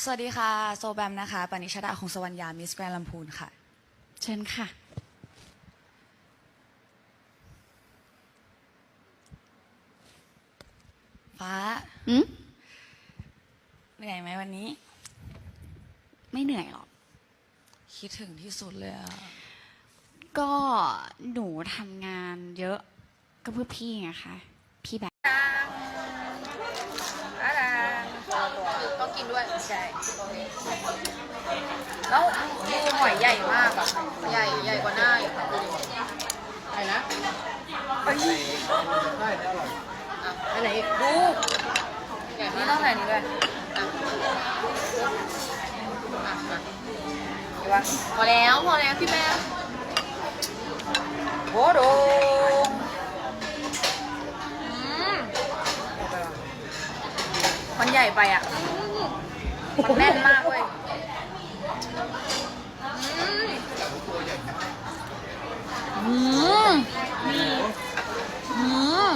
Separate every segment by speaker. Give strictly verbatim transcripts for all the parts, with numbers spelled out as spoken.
Speaker 1: สวัสดีค่ะโซแบมนะคะปณิชดาคงสวรรยามิสแกรนด์ลำพูนค่ะ
Speaker 2: เชิญค่ะ
Speaker 1: ฟ้า
Speaker 2: อืม
Speaker 1: เหนื่อยไหมวันนี้
Speaker 2: ไม่เหนื่อยหรอก
Speaker 1: คิดถึงที่สุดเลยอะ
Speaker 2: ก็หนูทำงานเยอะก็เพื่อพี่ไงคะพี่แบบ
Speaker 1: อะไรต้องกินด้วยใช่แล้วดูหอยใหญ่มากอะใหญ่ใหญ่กว่าหน้าอีกค่ะดูดิใหญ่นะไปได้ได้อร่อยอ่ะไปไหนดูใหญ่มากนี่ต้องใส่นี้ด้วยอ่ะอ่ะอ่ะเดี๋ยววะพอแล้วพอแล้วพี่แม่โอ้โหมันใหญ่ไปอ่ะมันแน่นมากเว้ยอืมอืม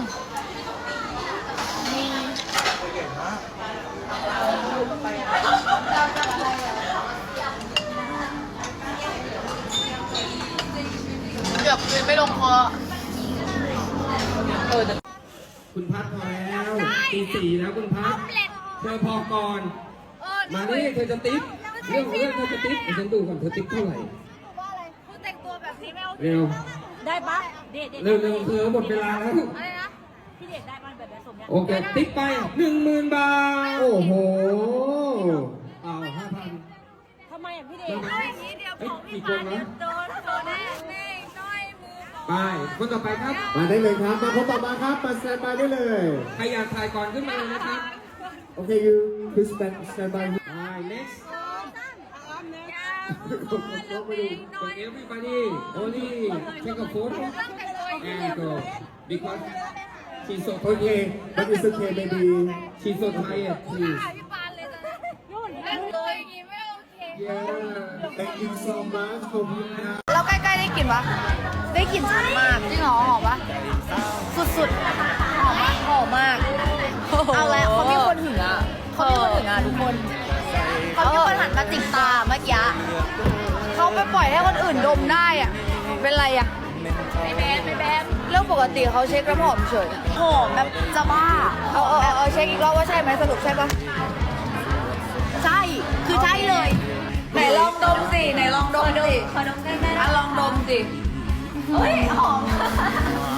Speaker 1: เกือบกินไม่ลงคอเออ
Speaker 3: คุณพัดพอแล้วตีสี่แล้วคุณพัดเธอพอก่อนมานี่เธอจะติ๊บเรื่องของเรื่องเธอจะติ๊บเดี๋ยวฉันดูก่อนเธอติ๊บเท่าไหร่
Speaker 1: คุณแต่งตัวแบบนี้ไม่โอเค
Speaker 3: เร็ว
Speaker 4: ได้ปะเด็ด
Speaker 3: เร็วเร็วเธอหมดเวลาแล้ว
Speaker 1: อะไรนะ
Speaker 4: พี่เด็ดได้ปะแบบแบบสมเนี่ย
Speaker 3: โอเคติ๊บไปหนึ่งหมื่นบาทโอ้โหเอาห้าพัน
Speaker 4: ทำไมอ่ะพี่เด็ด
Speaker 3: เอ้ยกี่คนนะ
Speaker 1: โดนโดนแน่แม่น้อยมือ
Speaker 3: ไปคนต่อไปครับ
Speaker 5: มาได้เลยครับ มาพบต่อมาครับ มาสแตนบายได้เลย
Speaker 3: ใครอยากถ่ายก่อนขึ้นมาเลยนะครับ
Speaker 5: โอเค you please stand stand by
Speaker 3: ไป next for everybody only take a photo and go because she's so
Speaker 5: โอเค but it's okay maybe
Speaker 3: she's so tired please
Speaker 1: พี่ปานเลยตอนนี้เล่นตัวอย่างงี้ไม่โอเค
Speaker 5: yeah thank you so much ขอบคุณครับ
Speaker 1: เราใกล้ๆได้กลิ่นปะได้กลิ่นชัดมากจริงเหรอหอมปะสุดๆหอมมากหอมมากเอาแล้วเขามีคนหึงอ่ะเขามีคนหึงอ่ะทุกคนเขามีคนหันมาจิกตาเมื่อกี้เขาไปปล่อยให้คนอื่นดมได้อ่ะเป็นไรอ่ะไม่แบนไม่แบนเรื่องปกติเขาเช็คน้ำหอมเฉยหอมแบบจะบ้าเออเออเออเช็คอีกรอบว่าใช่ไหมสรุปใช่ปะใช่คือใช่เลยไหนลองดมสิไหนลองดมสิขอดมใกล้ๆอ่ะลองดมสิเฮ้ยหอม